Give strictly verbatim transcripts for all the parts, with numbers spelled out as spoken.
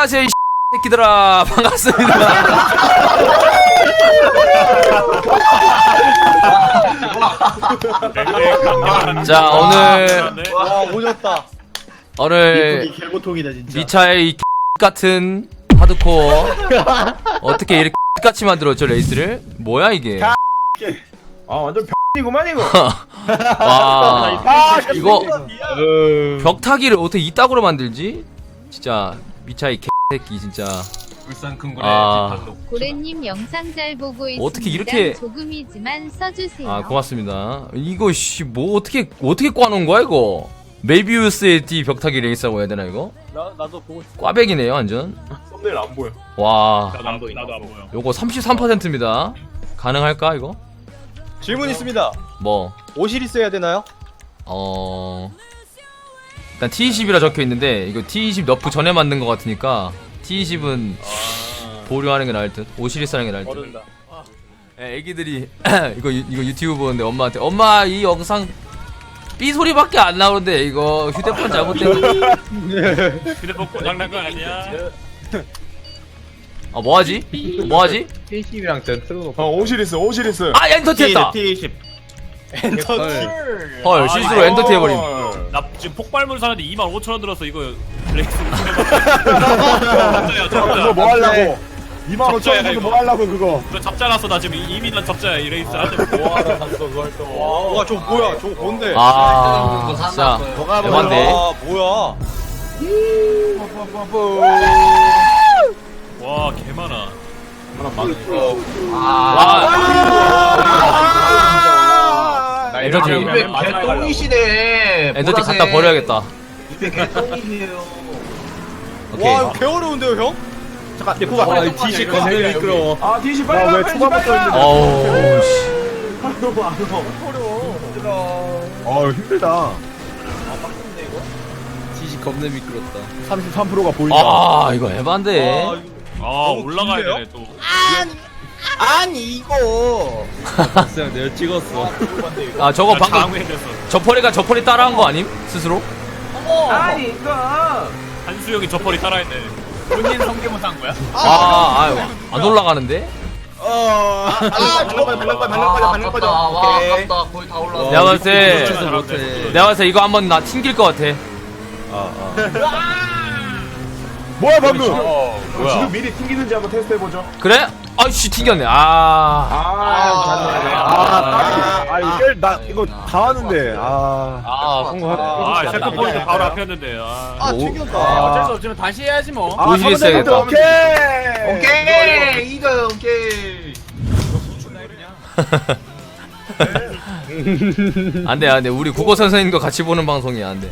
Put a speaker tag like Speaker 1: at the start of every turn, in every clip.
Speaker 1: 안녕하세요 이 새끼들아 반갑습니다. 자 오늘
Speaker 2: 와 오졌다.
Speaker 1: 오늘
Speaker 2: 개고통이다 진짜.
Speaker 1: 미차의 이 같은 하드코어 어떻게 이렇게 같이 만들었죠 레이스를? 뭐야 이게?
Speaker 2: 아 완전 병이구만 이거.
Speaker 1: 와
Speaker 2: 아
Speaker 1: 이거 벽타기를 어떻게 이따구로 만들지? 진짜 미차의 개새끼 진짜.
Speaker 3: 울산 큰고래
Speaker 1: 아.
Speaker 3: 뒷판로.
Speaker 4: 고래님 영상 잘 보고 있습니다.
Speaker 1: 어떻게 이렇게-
Speaker 4: 조금이지만 써주세요.
Speaker 1: 아 고맙습니다. 이거 씨 뭐 어떻게 어떻게 꽈놓은 거야 이거? 메비우스의 D 벽타기 레이스라고 해야 되나 이거?
Speaker 2: 나 나도 보고 싶어.
Speaker 1: 꽈배기네요 완전.
Speaker 2: 썸네일 안 보여.
Speaker 1: 와
Speaker 3: 나도 안 보여. 나도 안 보여.
Speaker 1: 요거 삼십삼 퍼센트입니다. 가능할까 이거?
Speaker 2: 질문 있습니다.
Speaker 1: 뭐
Speaker 2: 오시리스 해야 되나요?
Speaker 1: 어... 일단 티 이십이라 적혀있는데 이거 티 이십 너프 전에 만든 것 같으니까 티 이십은 보류하는 게 나을 듯. 오시리스 하는 게 나을 듯.
Speaker 2: 모른다.
Speaker 1: 애, 애기들이 이거 유- 이거 유튜브 보는데 엄마한테 엄마 이 영상 삐 소리밖에 안 나오는데 이거 휴대폰 잘못된
Speaker 3: 휴대폰 고장난 거 아니야?
Speaker 1: 아 뭐하지? 뭐하지?
Speaker 5: 티십이랑 전 틀어놓고
Speaker 6: 어 오시리스 오시리스
Speaker 1: 아 엔터티 했다!
Speaker 2: 티 이십. 엔터티.
Speaker 1: 헐 실수로
Speaker 3: 아,
Speaker 1: 엔터티 해버림.
Speaker 3: 나 지금 폭발물 사는데 이만 오천 원 들어서 이거 레이스 잡자야
Speaker 6: 그거
Speaker 3: 잡자.
Speaker 6: 뭐 하려고 이만 오천
Speaker 3: 적자야,
Speaker 6: 원
Speaker 3: 이거.
Speaker 6: 뭐 하려고 그거
Speaker 3: 그거 잡자 났어. 나 지금 이미 난 잡자야 이 레이스 하는데.
Speaker 2: 뭐하러 샀어 그걸 또. 와 저거 뭐야? 저거 뭔데?
Speaker 1: 아 진짜 대박인데.
Speaker 2: 아 뭐야?
Speaker 3: 와 개 많아.
Speaker 1: 와 엔터티
Speaker 5: 개똥이시네.
Speaker 1: 엔터티 갖다 버려야겠다.
Speaker 5: 개똥이시네요.
Speaker 1: 오케이.
Speaker 2: 와 이거 개 어려운데요 형? 잠깐 내 코가.
Speaker 5: 아, 디시 겁나 미끄러워.
Speaker 6: 아 디시 빨리 와,
Speaker 2: 왜
Speaker 6: 빨리
Speaker 2: 초반부터
Speaker 6: 빨리 와.
Speaker 1: 어우 씨.
Speaker 6: 어 힘들다
Speaker 5: 디시 겁나 미끄럽다.
Speaker 6: 삼십삼 퍼센트가 보인다
Speaker 1: 아 이거 에반데.
Speaker 2: 와, 이거
Speaker 3: 아
Speaker 2: 너무
Speaker 3: 올라가야
Speaker 2: 긴데요?
Speaker 3: 되네 또.
Speaker 2: 아니 이거.
Speaker 5: 그냥 내가 찍었어.
Speaker 1: 아 저거 방금
Speaker 3: 장외됐어.
Speaker 1: 저퍼리가 저퍼리 따라한 거 아님? 스스로?
Speaker 3: 한수영이 저 펄이 따라했네. 본인 성대모사 한 거야?
Speaker 1: 아, 아유, 안 올라가는데?
Speaker 2: 어. 아 발랑 빠져 발랑 빠져 발랑 빠져 발랑 빠져.
Speaker 5: 와,
Speaker 2: 오케이.
Speaker 5: 아깝다. 거의 다 올라왔어.
Speaker 1: 내가 봤을 때,
Speaker 3: 잘하네.
Speaker 5: 못해.
Speaker 1: 내가 봤을 때 이거 한번 나 튕길 것 같아.
Speaker 6: 뭐야 방금
Speaker 3: 뭐야?
Speaker 6: 지금 미리 튕기는지 한번 테스트 해보죠
Speaker 1: 그래? 아이씨, 튕겼네. 아.
Speaker 6: 아 잤네 아 아, 이거 나 이거 다 하는데 아
Speaker 1: 아,
Speaker 3: 아 셰프 포인트 바로 앞이었는데. 아.
Speaker 2: 아
Speaker 1: 오-
Speaker 2: 튕겼다.
Speaker 1: 아.
Speaker 2: 수 없지만 다시 해야지 뭐.
Speaker 6: 아,
Speaker 1: 오시리스
Speaker 6: 삼
Speaker 1: 해야겠다.
Speaker 6: 오케이
Speaker 5: 오케이. 이거 오케이.
Speaker 1: 안 돼, 안 돼. 우리 국어 선생님과 같이 보는 방송이야, 안 돼.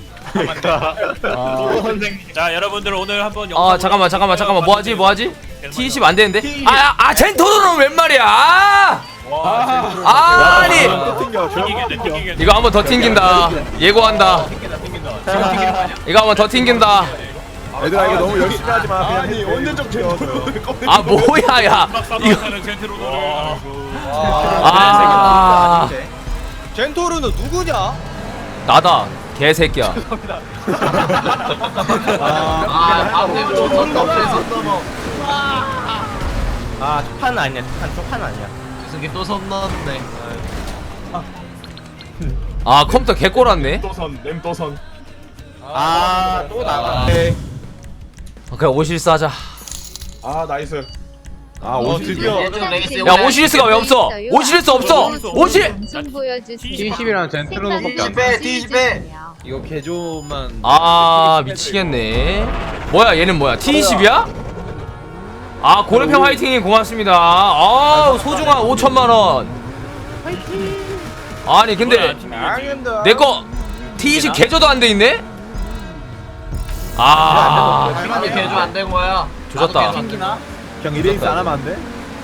Speaker 3: 자 여러분들 오늘 한번 영상
Speaker 1: 아, 잠깐만, 잠깐만, 잠깐만. 뭐 하지, 뭐 하지? 티 이십 안 되는데? 아, 아, 젠토로는 웬 말이야! 아! 아, 아니!
Speaker 6: 튕겨
Speaker 3: 튕기겠네 튕기겠네.
Speaker 1: 이거 한번 더 튕긴다. 예고한다. 이거 한번 더 튕긴다.
Speaker 6: 얘들아 이거 너무 열심히 하지마 그냥 아니 언제적 제어
Speaker 1: 아, 뭐야, 야.
Speaker 3: 막
Speaker 1: 이거.
Speaker 3: 싸다는 젠트로를.
Speaker 1: 아.
Speaker 2: 젠토르는 누구냐?
Speaker 1: 나다. 개새끼야.
Speaker 5: 아, 다음에 줬었다. 없애서.
Speaker 2: 아 초판 아니야. 초판 초판 아니야.
Speaker 5: 이승기 또 선 넣었네.
Speaker 1: 아, 컴퓨터 개꼬랐네.
Speaker 6: 또선 램또선
Speaker 2: 아또 나갔네.
Speaker 1: 그래, 오실스 하자.
Speaker 6: 아 나이스 아
Speaker 2: 어,
Speaker 6: 오시리스
Speaker 2: 드디어.
Speaker 5: 예전 레이스
Speaker 1: 야, 오시리스가 왜 없어? 오시리스 없어! 오시!
Speaker 4: 방송 보여주세요.
Speaker 5: 티십이랑 전 틀어놓고
Speaker 4: 생방송
Speaker 2: 빼, 뒤집어 빼.
Speaker 4: 주세요.
Speaker 5: 이거 개조만.
Speaker 1: 아, 미치겠네. 뭐야, 얘는 뭐야? 티 이십이야? 아, 고래평 화이팅님 고맙습니다. 아, 소중한 오천만원. 아니, 근데, 내거 티 이십 개조도 안 돼 있네? 아,
Speaker 5: 시간이 개조 안 된 거야.
Speaker 1: 조졌다.
Speaker 6: 그냥 이레이스 안 하면 안 돼?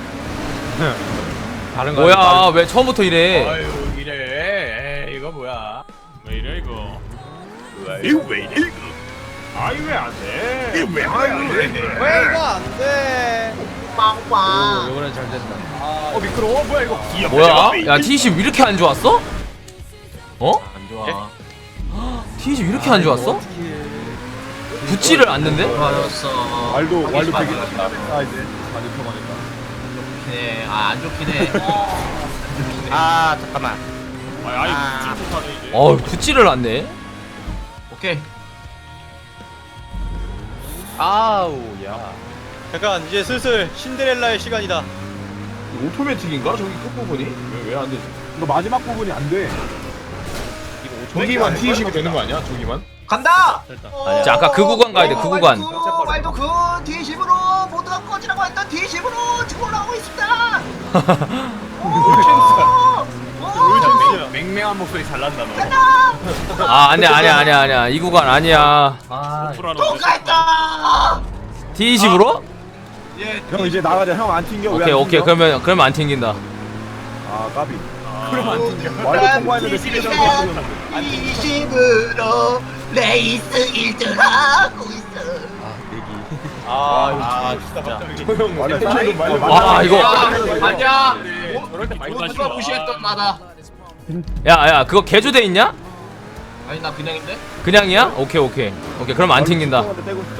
Speaker 5: 다른 거.
Speaker 1: 뭐야, 왜 처음부터 이래?
Speaker 5: 아유 이래. 에이, 이거 뭐야?
Speaker 3: 왜 이래 이거?
Speaker 6: 이거 왜 이래 이거 아이 왜 안 돼? 이거 왜 안 돼?
Speaker 2: 왜 이거 안 돼?
Speaker 5: 오, 이번엔 잘 된다.
Speaker 2: 어 미끄러워 뭐야 이거?
Speaker 1: 뭐야? 야, 티 이십 이렇게 안 좋았어? 어?
Speaker 5: 안 좋아.
Speaker 1: 티 이십 이렇게 안 좋았어? 붙지를 않는데?
Speaker 5: 맞았어.
Speaker 6: 말도 말도 되게
Speaker 5: 많이
Speaker 6: 아 이제 많이 들어가니까.
Speaker 5: 좋긴 아, 안 좋긴 해.
Speaker 2: 아 잠깐만.
Speaker 3: 아, 아예 붙지 못하네 이제.
Speaker 1: 어 붙지를 않네.
Speaker 5: 오케이.
Speaker 7: 아우 야 잠깐 이제 슬슬 신데렐라의 시간이다.
Speaker 2: 오토매틱인가 저기 끝부분이? 왜 왜 안 되지?
Speaker 6: 이거 마지막 부분이 안 돼.
Speaker 2: 저기만 티십이 되는 거 아니야? 저기만?
Speaker 5: 간다.
Speaker 1: 아니, 자, 아까 그 구간 가야 돼, 그 구간.
Speaker 5: 말도 그 디십으로 모두가 꺼지라고 했던 디십으로 지금 올라가고 있습니다.
Speaker 3: 롤 맹맹한 목소리 잘 난다 너.
Speaker 1: 아 아니야 아니야 아니야 아니야 이 구간 아니야.
Speaker 3: 오프라는
Speaker 5: 또 갔다.
Speaker 1: 티 이십으로?
Speaker 5: 예.
Speaker 6: 형 이제 나가자. 형 안 튕겨.
Speaker 1: 오케이 오케이 그러면 그러면 안 튕긴다.
Speaker 6: 아 까비.
Speaker 3: 그럼 안
Speaker 5: 튕겨.
Speaker 6: 말도 통과했는데 스피드
Speaker 5: 디십으로 레이스 일 등 하고 있어.
Speaker 7: 아 진짜
Speaker 2: 조용.
Speaker 6: 말도
Speaker 2: 텐션이
Speaker 6: 말도
Speaker 1: 와, 이거.
Speaker 5: 아니야.
Speaker 3: 저럴 때 말도 안
Speaker 5: 누가
Speaker 3: 씹어.
Speaker 5: 무시했던 나다.
Speaker 1: 야야 그거 개조돼 있냐?
Speaker 5: 아니 나 그냥인데.
Speaker 1: 그냥이야? 오케이 오케이 오케이 그럼 안 튕긴다.
Speaker 6: 떼고 싶다.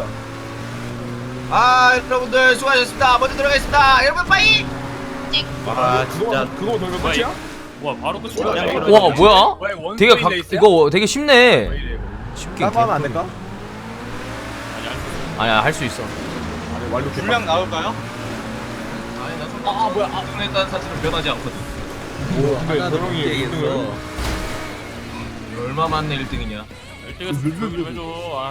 Speaker 5: 아 여러분들 수고하셨습니다. 먼저 들어가겠습니다. 여러분 빠이.
Speaker 2: 아 진짜 그거 돌면
Speaker 3: 뭐야,
Speaker 2: 끝이야?
Speaker 3: 와 바로 끝이야.
Speaker 2: 그냥
Speaker 1: 와 뭐야?
Speaker 3: 왜 원스윙
Speaker 1: 되게 각
Speaker 3: 돼 있어요?
Speaker 1: 이거 되게 쉽네. 쉽게.
Speaker 6: 딴거 하면 안 될까?
Speaker 1: 아니야 할 수 있어.
Speaker 6: 아니 말도
Speaker 7: 분량 나올까요?
Speaker 5: 아니 나 손. 아 뭐야? 아 보냈다는 사실은 변하지 않거든.
Speaker 2: 근데 조용히 일 등을
Speaker 5: 얼마 만에 일 등이냐?
Speaker 3: 일찍 좀 해줘.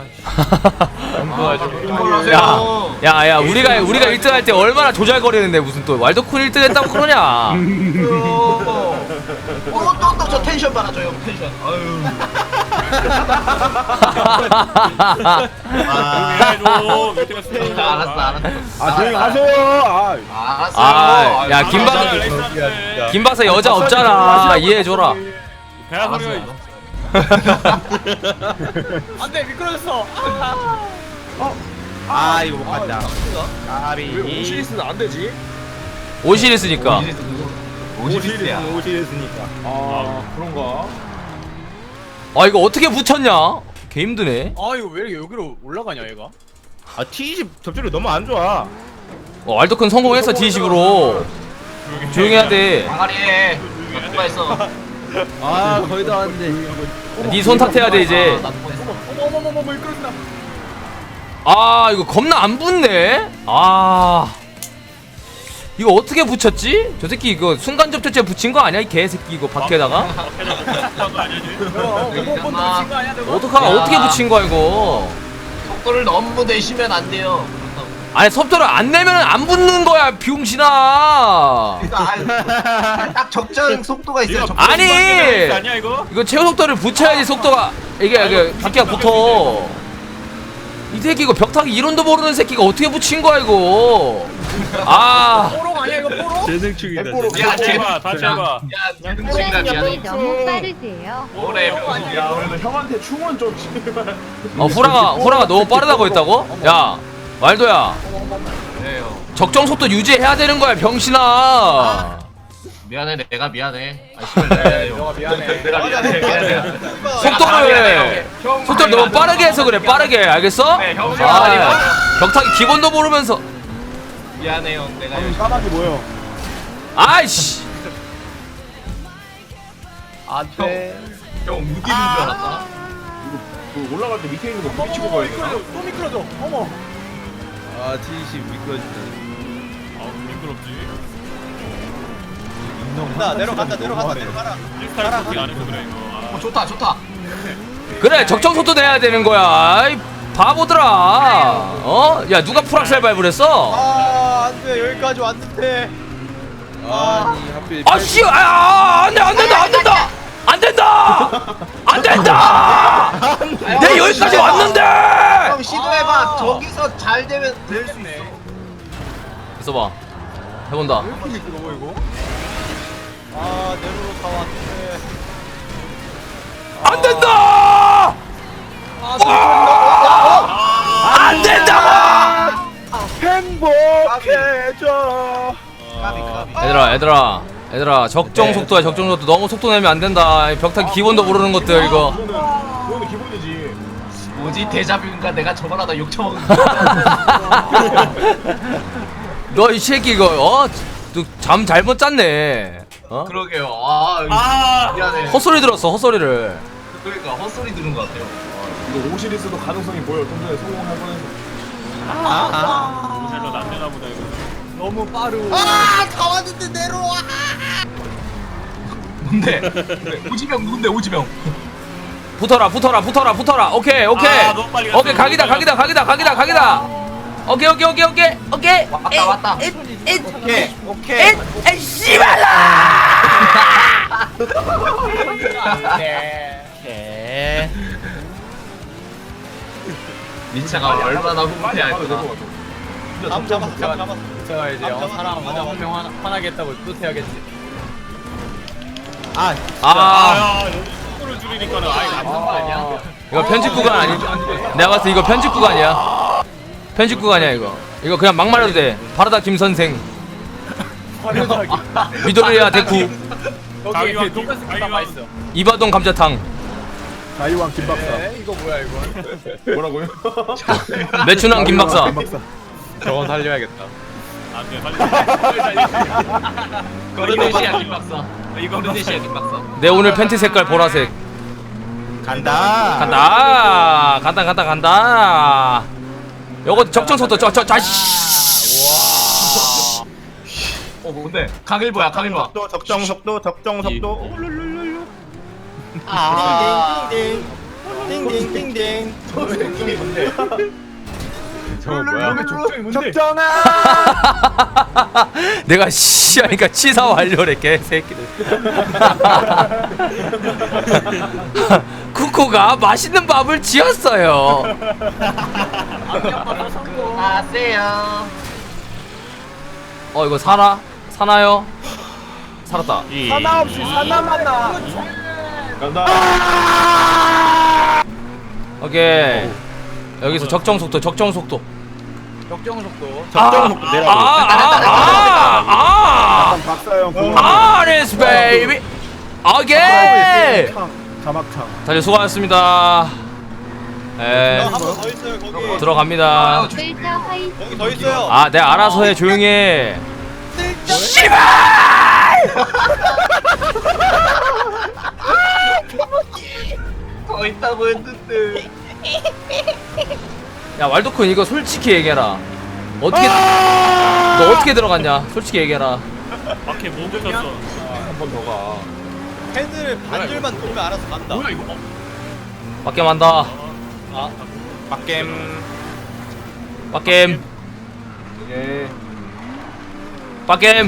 Speaker 3: 아,
Speaker 1: 야, 야, 야, 우리가 우리가 일 등 할 때 얼마나 조잘거리는데 무슨 또 왈도쿤 일 등 했다고 그러냐?
Speaker 5: 어또또저 텐션 봐라 저 형 텐션. 아유.
Speaker 3: 해줘. 일찍 했으면
Speaker 5: 알았어 알았어.
Speaker 6: 아 조용히 하세요. 아
Speaker 5: 알았어.
Speaker 1: 아, 야, 김
Speaker 3: 박
Speaker 1: 박사, 김 박사 여자 없잖아. 이해해줘라.
Speaker 3: 배야 소리가.
Speaker 7: 안돼 미끄러졌어.
Speaker 2: 아 이거 못 간다.
Speaker 6: 왜
Speaker 2: 아비
Speaker 6: 오시리스는 안 되지?
Speaker 1: 오시리스니까.
Speaker 5: 오십이야.
Speaker 6: 오시리스니까. 아 그런가?
Speaker 1: 아 이거 어떻게 붙였냐? 개 힘드네.
Speaker 7: 아 이거 왜 이렇게 여기로 올라가냐 얘가?
Speaker 2: 아 티십 접촉이 너무 안 좋아.
Speaker 1: 어, 왈도쿤 성공했어 디 이십으로. 조용히 해야 돼.
Speaker 5: 방아리에 누가 했어?
Speaker 7: 아 거의 다 왔는데.
Speaker 1: 네 손 탓해야 돼 이제.
Speaker 7: 어머머머머 미끄러진다.
Speaker 1: 아 이거 겁나 안 붙네. 아 이거 어떻게 붙였지? 저 새끼 이거 순간 접촉제 붙인 거 아니야 이 개새끼 이거 밖에다가? 어떡하
Speaker 5: 야.
Speaker 1: 어떻게 붙인 거야 이거?
Speaker 5: 속도를 너무 내시면 안 돼요.
Speaker 1: 아니 속도를 안 내면 안 붙는 거야 비용신아.
Speaker 5: 그러니까 딱 적정 속도가 있어요. 적정
Speaker 1: 아니
Speaker 3: 아니야 이거?
Speaker 1: 이거 최고 속도를 붙여야지 속도가 이게 이게 바퀴가 붙어. 이 새끼 이거 벽타기 이론도 모르는 새끼가 어떻게 붙인 거야 이거? 아
Speaker 7: 뽀록 아니야 이거 뽀록?
Speaker 6: 재능충이다.
Speaker 5: 야,
Speaker 3: 다시 해봐 다시 해봐.
Speaker 5: 야,
Speaker 4: 호랑이
Speaker 5: 미안해.
Speaker 4: 너무 빠르세요.
Speaker 5: 오래.
Speaker 2: 야 그래도 형한테 충원 좀.
Speaker 1: 어, 후라가 후라가 너무 빠르다고 했다고? 야 말도야
Speaker 5: 그래요.
Speaker 1: 적정 속도 유지해야 되는 거야 병신아.
Speaker 5: 미안해 내가 미안해. 아 씨발 내가
Speaker 2: 미안해.
Speaker 5: 내가 미안해. 미안해.
Speaker 1: 속도를 속도를 너무 빠르게 해서 그래 빠르게 알겠어?
Speaker 5: 네, 형
Speaker 1: 아 벽타기 기본도 모르면서
Speaker 5: 미안해요. 내가
Speaker 6: 형 까마귀 뭐요?
Speaker 1: 아이씨
Speaker 7: 안돼.
Speaker 5: 형 무디는 줄 알았다.
Speaker 2: 그 올라갈 때 밑에 있는 거 미치고 가야 되나?
Speaker 7: 또 미끄러져. 어머.
Speaker 5: 아 티십 미끄러진다.
Speaker 3: 아 미끄럽지.
Speaker 7: 나 내려간다 내려간다 내려가라.
Speaker 3: 프리스타일 코팅 안 해서 그래 이거.
Speaker 5: 어 좋다 좋다.
Speaker 1: 그래 적정 속도 내야 되는 거야 아이 바보들아 어? 야 누가 프락셀 밟을 했어?
Speaker 7: 아 안돼 여기까지 왔는데.
Speaker 5: 아니 하필.
Speaker 1: 아씨 아 안돼 안된다 안된다 안된다 안된다 내 여기까지 왔는데
Speaker 5: 형 시도해봐. 저기서 잘 되면 될 수 있어.
Speaker 1: 있어봐 해본다
Speaker 7: 이렇게 미끄러워 이거? 아 내로로 다 왔는데.
Speaker 1: 안된다 안된다고
Speaker 6: 행복해져.
Speaker 5: 까비 까비.
Speaker 1: 얘들아 얘들아 얘들아 적정 속도야 적정 속도 너무 속도 내면 안된다 벽타기 기본도 모르는 것들 이거
Speaker 2: 그거는 그거는 기본이지.
Speaker 5: 뭐지 데자뷰인가 내가 저걸 하다 욕 처먹은
Speaker 1: 너 이 새끼 이거 어잠 잘못 잤네. 어?
Speaker 5: 그러게요. 아,
Speaker 3: 아
Speaker 5: 미안해.
Speaker 1: 헛소리 들었어 헛소리를.
Speaker 5: 그러니까 헛소리 들은 것 같아요.
Speaker 2: 이거 오시리스도 가능성이 보여. 좀 전에 성공할 뻔해서.
Speaker 3: 오셀로 남겨나 보다 이거.
Speaker 7: 너무 빠르고.
Speaker 5: 아다 왔는데 내려와. 뭔데? 오지명 누군데 오지명?
Speaker 1: 붙어라 붙어라 붙어라 붙어라. 오케이 오케이
Speaker 3: 아, 너무 빨리 갔어.
Speaker 1: 오케이 각이다 각이다 각이다 각이다 각이다. 오케이 오케이 오케이 오케이 오케이.
Speaker 5: 왔다 왔다.
Speaker 1: 오케이
Speaker 5: 오케이.
Speaker 1: 에 씨발라.
Speaker 7: 네.
Speaker 5: 민차가 얼마나 후퇴 할까?
Speaker 7: 감 잡았어. 감 잡았어.
Speaker 3: 제가 이제 어, 사람 한명 화나게 했다고 또 해야겠지.
Speaker 7: 아,
Speaker 1: 아
Speaker 3: 아 여기 속도를 줄이니까는 아예 남는 거 아니야?
Speaker 1: 이거 편집 구간 아니? 내가 봤을 때 이거 편집 구간이야. 편집 구간이야 이거. 이거 그냥 막 말해도 돼. 바르다 김 선생. 미도리야 데쿠.
Speaker 3: 거기 돈가스 김밥 맛있어.
Speaker 1: 이바동 감자탕.
Speaker 6: 자이왕 김박사.
Speaker 3: 네, 이거 뭐야 이거?
Speaker 2: 뭐라고요?
Speaker 1: 매춘왕 김박사.
Speaker 6: 김박사.
Speaker 7: 저건 살려야겠다.
Speaker 3: 안돼 빨리.
Speaker 5: 거르네시아 김박사.
Speaker 3: 이거
Speaker 5: 거르네시아 김박사.
Speaker 1: 내 오늘 팬티 색깔 보라색.
Speaker 7: 간다.
Speaker 1: 간다 간다 간다 간다. 요거 적정 속도 저저 자씨.
Speaker 5: 어 뭔데? 강일보야 강일보.
Speaker 7: 속도 적정 속도 적정 속도.
Speaker 5: 아.
Speaker 7: 띵띵띵띵.
Speaker 3: 저거 뭐야?
Speaker 6: 적정아.
Speaker 1: 내가 씨 하니까 치사 완료래 개새끼들. 쿠쿠가 맛있는 밥을 지었어요.
Speaker 5: 아세요.
Speaker 1: 어 이거 사나? 사나요? 살았다.
Speaker 6: 하나 없이 하나만 나.
Speaker 2: 간다.
Speaker 1: 오케이. 여기서 적정 속도 적정 속도.
Speaker 7: 적정 속도.
Speaker 1: 적정 속도 내려. 아아아아
Speaker 6: 박사형.
Speaker 1: 아, 아레스 베이비. 오케이.
Speaker 6: 자막창.
Speaker 1: 다들 수고하셨습니다. 에
Speaker 7: 한 번 더 있어요 거기.
Speaker 1: 들어갑니다.
Speaker 4: 델타 화이트
Speaker 7: 거기 더 있어요.
Speaker 1: 아, 내가 알아서 해 조용히 해.
Speaker 5: 더 있다고 했는데.
Speaker 1: 야 왈도쿤 이거 솔직히 얘기해라. 어떻게 너 어떻게 들어갔냐? 솔직히 얘기해라.
Speaker 3: 밖에 뭐 붙였어?
Speaker 2: 한 번 더 가.
Speaker 7: 헤드를 반줄만 돌면 알아서 간다.
Speaker 3: 뭐야 이거?
Speaker 1: 빡겜 한다.
Speaker 7: 아, 빡겜.
Speaker 1: 빡겜.
Speaker 2: 오케이.
Speaker 1: 빡겜.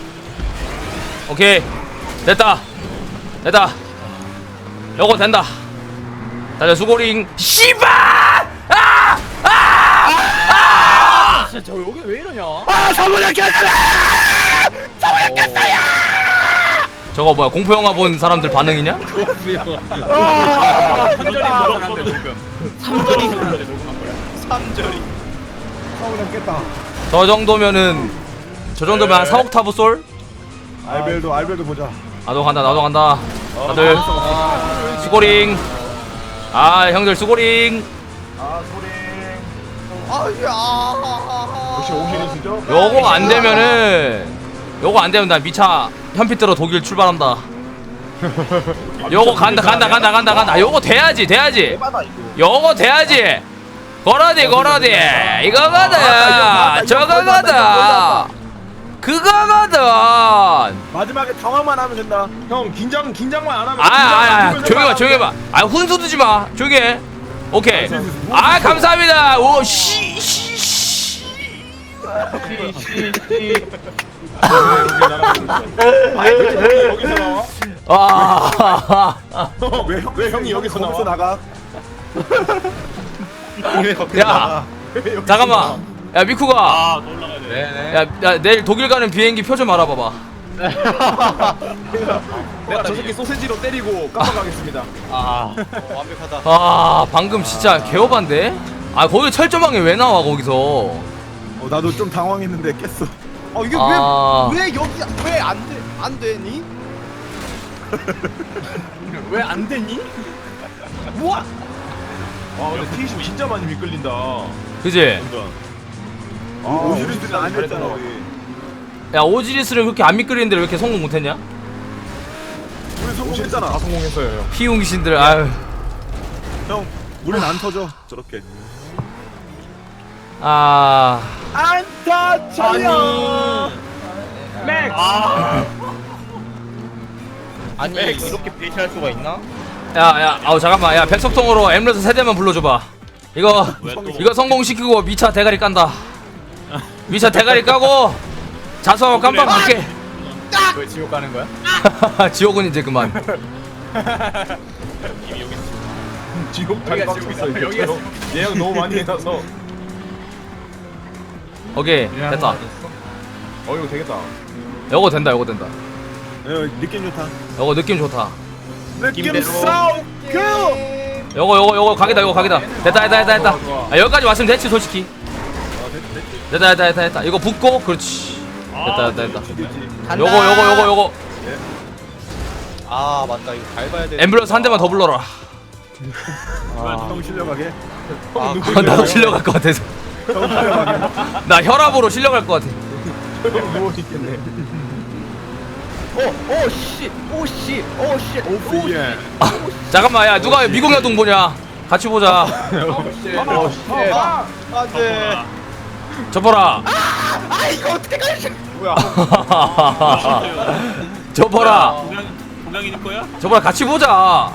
Speaker 1: 오케이 됐다 됐다. 요거 된다. 다들 수고링. 씨발! 아! 아! 아!
Speaker 3: 진짜 저 여기 왜 이러냐?
Speaker 1: 아 사무장 켰어요! 사무장 켰어요! 저거 뭐야 공포 영화 본 사람들 반응이냐?
Speaker 3: 삼절이 녹음한데 지금.
Speaker 7: 삼절이 녹음한 거야. 삼절이.
Speaker 6: 사무장 깼다.
Speaker 1: 저 정도면은 저 정도면 한 삼억 타브 솔?
Speaker 6: 알벨도 알벨도 보자.
Speaker 1: 나도 간다 나도 간다. 다들 수고링. 아 형들 수고링.
Speaker 2: 아 소리.
Speaker 7: 아야.
Speaker 2: 역시 오시리스죠?
Speaker 1: 요거 안 되면은 요거 안 되면 나 미차 현피 뜨러 독일 출발한다. 요거 간다 간다 간다 간다 간다. 요거 돼야지 돼야지. 요거 돼야지. 거라디 거라디 이거거든. 저거거든. 그거거든.
Speaker 6: 마지막에 당황만 하면 된다.
Speaker 2: 형 긴장 긴장만 안 하면.
Speaker 1: 아아아 조용히 봐 조용히 봐. 아 훈수 두지 마. 조용히 해. 오케이. 아 감사합니다. 오씨씨
Speaker 2: 여기서 나와?
Speaker 1: 아.
Speaker 2: 왜, 형- 왜 형이 여기서
Speaker 6: 거기서
Speaker 2: 나와?
Speaker 6: 나가.
Speaker 1: 야 잠깐만. 야 미쿠가.
Speaker 3: 아, 또 올라가야 돼.
Speaker 5: 네네.
Speaker 1: 야, 야 내일 독일 가는 비행기 표 좀 알아봐봐.
Speaker 2: 내가 저 새끼 소세지로 때리고 깜빡하겠습니다.
Speaker 7: 아, 완벽하다.
Speaker 1: 아 방금 진짜 개오반데? 아 거기 철조망이 왜 나와 거기서?
Speaker 6: 어 나도 좀 당황했는데 깼어.
Speaker 7: 어 이게
Speaker 1: 아.
Speaker 7: 왜 왜 여기 왜 안 돼? 안 되니?
Speaker 3: 왜 안 되니?
Speaker 7: 뭐야?
Speaker 2: 아 근데 티십 진짜 많이 미끌린다.
Speaker 1: 그지?
Speaker 6: 아, 오시리즈는 아니었잖아 우리.
Speaker 1: 야 오지리스를 그렇게 안 미끄리는데 왜 이렇게 성공 못했냐?
Speaker 6: 우리 성공했잖아.
Speaker 2: 다 성공했어요 형.
Speaker 1: 피웅신들 아유.
Speaker 6: 형, 우린 안 터져 저렇게.
Speaker 1: 아
Speaker 6: 안타 차려.
Speaker 3: 맥.
Speaker 7: 아니 이렇게 배신할 수가 있나?
Speaker 1: 야야 아우 잠깐만 야 백석통으로 엠레스 세대만 불러줘봐. 이거 이거 성공시키고 미차 대가리 깐다. 미차 대가리 까고 자수하고 깜빡 갈게.
Speaker 3: 왜 지옥 가는 거야?
Speaker 1: 지옥은 이제 그만.
Speaker 2: 지금 잘
Speaker 3: 여기가
Speaker 2: 빡쳤어
Speaker 3: 지금이다.
Speaker 2: 이거.
Speaker 3: 여기가
Speaker 2: 예약 너무 많이 해놔서.
Speaker 1: 오케이 됐다.
Speaker 2: 어 이거 되겠다.
Speaker 1: 요거 된다 요거 된다.
Speaker 6: 예, 느낌 좋다.
Speaker 1: 요거 느낌 좋다.
Speaker 6: 느낌 싸움 큐.
Speaker 1: 요거 요거 요거 각이다 요거 각이다. 됐다 됐다 됐다 됐다. 아, 여기까지 왔으면 됐지 솔직히. 됐다 됐다 됐다 됐다. 이거 붙고 그렇지. 됐다 됐다 됐다. 요거 요거 요거 요거
Speaker 7: 아 맞다 이거 밟아야 돼.
Speaker 1: 앰뷸런스 한 대만 더 불러라.
Speaker 6: 형 실려가게.
Speaker 7: 아,
Speaker 1: 나도 실려갈 것 같아서.
Speaker 6: 형 실려가게.
Speaker 1: 나 혈압으로 실려갈 것 같아.
Speaker 2: 누워 있겠네.
Speaker 7: 오오씨 오씨 오씨
Speaker 6: 오프 예.
Speaker 1: 아, 잠깐만 야 누가 미국 야동 보냐? 같이 보자.
Speaker 7: 안돼.
Speaker 1: 접어라.
Speaker 7: 아 이거 어떻게 가지?
Speaker 3: 뭐야?
Speaker 1: 접어라.
Speaker 3: 동양인일 거야?
Speaker 1: 접어라 같이 보자.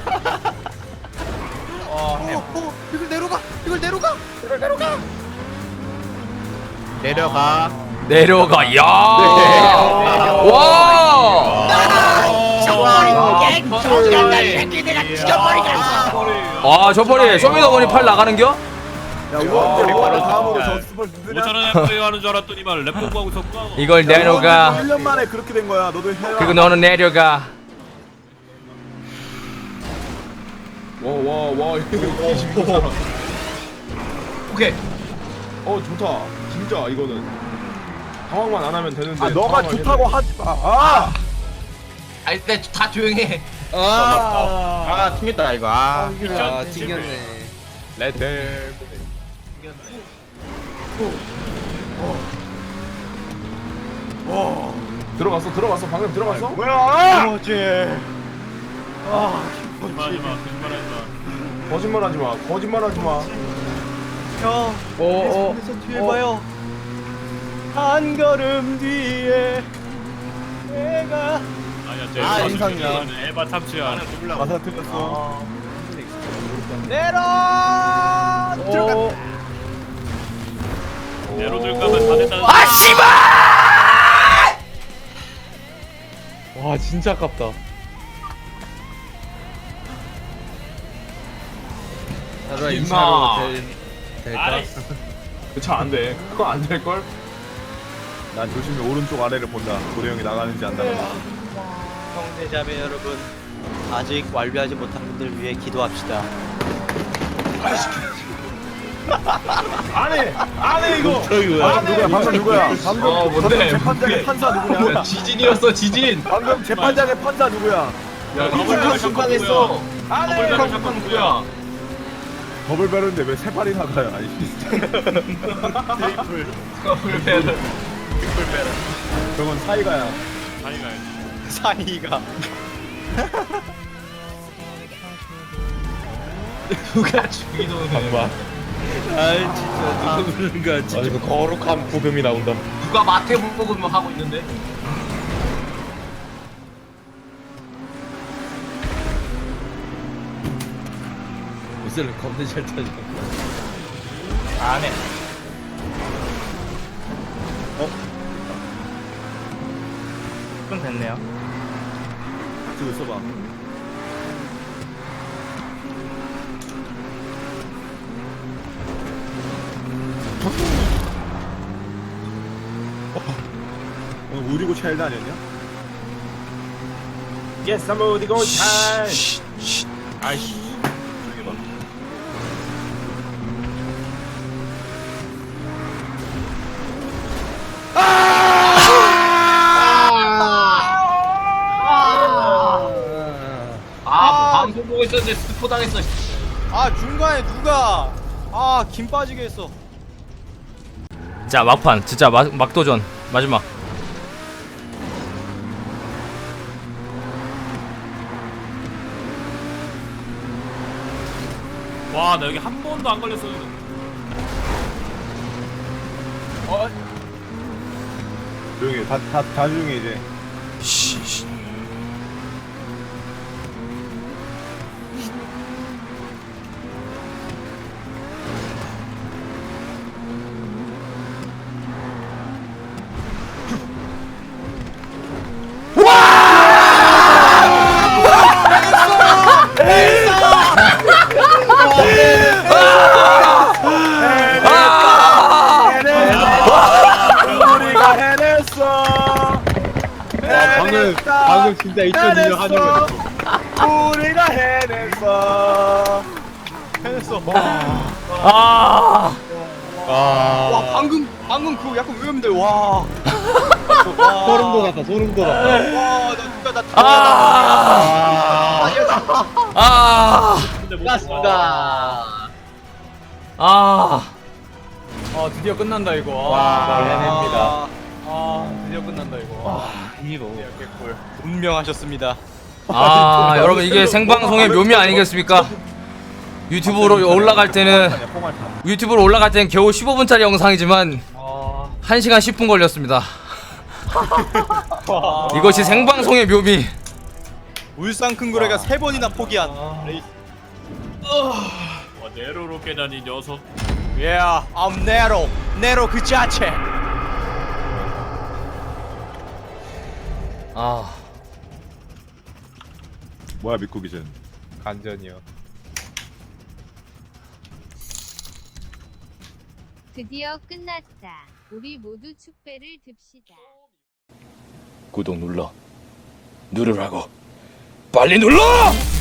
Speaker 7: 이걸 내려가 이걸 내려가 이걸 내려가. 내려가.
Speaker 1: 내려가. 야. 와. 아 저번에 쇼미더머니 팔 나가는겨?
Speaker 6: 야, 우원재 바로 다음으로 저 스포 누구냐?
Speaker 3: 오천원에 플레이 하는 줄 알았더니만 랩 공부하고 있었구나.
Speaker 1: 이걸 내려가.
Speaker 6: 일 년 만에 그렇게 된 거야. 너도 해라.
Speaker 1: 그리고 너는 내려가.
Speaker 2: 와와와 이거 티십이 사람.
Speaker 5: 오케이.
Speaker 2: 어 좋다. 진짜 이거는 상황만 안 하면 되는데.
Speaker 6: 아, 너가
Speaker 2: 상황을
Speaker 6: 좋다고 하지 마. 아!
Speaker 5: 아 일단 다 조용해.
Speaker 7: 아 튕겼다 이거. 아
Speaker 3: 아,
Speaker 7: 튕겼네.
Speaker 2: 레드. 들어갔어 들어갔어 방금 들어갔어?
Speaker 6: 뭐야?
Speaker 7: 뭐지?
Speaker 3: 거짓말하지 마. 거짓말하지 마.
Speaker 2: 거짓말하지 마 거짓말하지 마.
Speaker 7: 형.
Speaker 2: 어어
Speaker 7: 계속 뒤에 봐요. 한 걸음 뒤에 내가.
Speaker 3: 아니야, 쟤
Speaker 7: 아,
Speaker 3: 에바
Speaker 7: 인상이야.
Speaker 3: 탐지야. 에바 탐지야.
Speaker 6: 가사 틀렸어.
Speaker 7: 내려. 들어가.
Speaker 3: 내로 들까면 다 된다.
Speaker 1: 아 씨발!
Speaker 7: 와 진짜 아깝다.
Speaker 2: 임마.
Speaker 3: 아이씨.
Speaker 2: 그차 안돼 그거 안 될걸?
Speaker 6: 난 조심히 오른쪽 아래를 본다. 고래 형이 나가는지 안 나가는지.
Speaker 7: 형제자매 여러분, 아직 완료하지 못한 분들 위해 기도합시다.
Speaker 2: 안해 안해 이거.
Speaker 6: 방금 누구야? 방금 누구야? 방금
Speaker 2: 어, 뭔데?
Speaker 6: 방금 재판장의 판사 누구냐?
Speaker 2: 지진이었어 지진.
Speaker 6: 방금 재판장의 판사 누구야?
Speaker 3: 야, 더블
Speaker 2: 심판했어.
Speaker 3: 안해. 더블 잠깐 누구야?
Speaker 6: 더블 배럴인데 왜 세 발이 나가요? 아니.
Speaker 7: 트리플.
Speaker 2: 더블 배럴.
Speaker 6: 저건 사이가야.
Speaker 3: 아니가.
Speaker 7: 사이가.
Speaker 2: 누가 죽이는 거야?
Speaker 7: 아이 진짜 누군가 진짜.
Speaker 6: 이거 거룩한 부금이 나온다.
Speaker 5: 누가 마태복음을 하고 있는데?
Speaker 7: 옷을 겁나 잘 타지.
Speaker 5: 안해.
Speaker 7: 좀 됐네요.
Speaker 6: 지금 있어봐. 오늘 우리고 차일드 아니었냐?
Speaker 2: Yes, I'm 어디 go time.
Speaker 3: 아이씨.
Speaker 5: 아 방송 보고 있었는데 스포 당했어.
Speaker 7: 아 중간에 누가 아 김 빠지게 했어.
Speaker 1: 자 막판 진짜 막, 막도전 마지막.
Speaker 3: 와 나 여기 한 번도 안 걸렸어.
Speaker 6: 조용히 해. 다, 다, 다 조용히 해, 이제.
Speaker 1: 씨, 씨.
Speaker 6: 우리가 해냈어. 방금 방금 진짜 이천이 년 하는 거. 우리가 해냈어. 해냈어.
Speaker 1: 아,
Speaker 7: 와 방금 방금 그거 약간 위험한데 와.
Speaker 6: 소름 돋았다. 소름 돋았다.
Speaker 7: 와나 진짜 나
Speaker 1: 아, 아,
Speaker 3: 맞습니다.
Speaker 1: 아,
Speaker 3: 아 드디어 끝난다 이거.
Speaker 6: 와, 해냅니다.
Speaker 3: 아 드디어 끝난다 이거.
Speaker 7: 이거 개꿀. 분명하셨습니다.
Speaker 1: 아, 여러분 이게 생방송의 묘미 아니겠습니까? 유튜브로 올라갈 때는 유튜브로 올라갈 때는 겨우 십오 분짜리 영상이지만 한 시간 십 분 걸렸습니다. 이것이 생방송의 묘미.
Speaker 7: 울산 큰 고래가 세 번이나 포기한 레이스.
Speaker 3: 와 네로로 깨다니 이 녀석.
Speaker 7: Yeah, I'm 네로. 네로 그 자체.
Speaker 1: 아,
Speaker 6: 뭐야 믿고 기준.
Speaker 7: 간전이요.
Speaker 4: 드디어 끝났다. 우리 모두 축배를 듭시다.
Speaker 1: 구독 눌러. 누르라고. 빨리 눌러!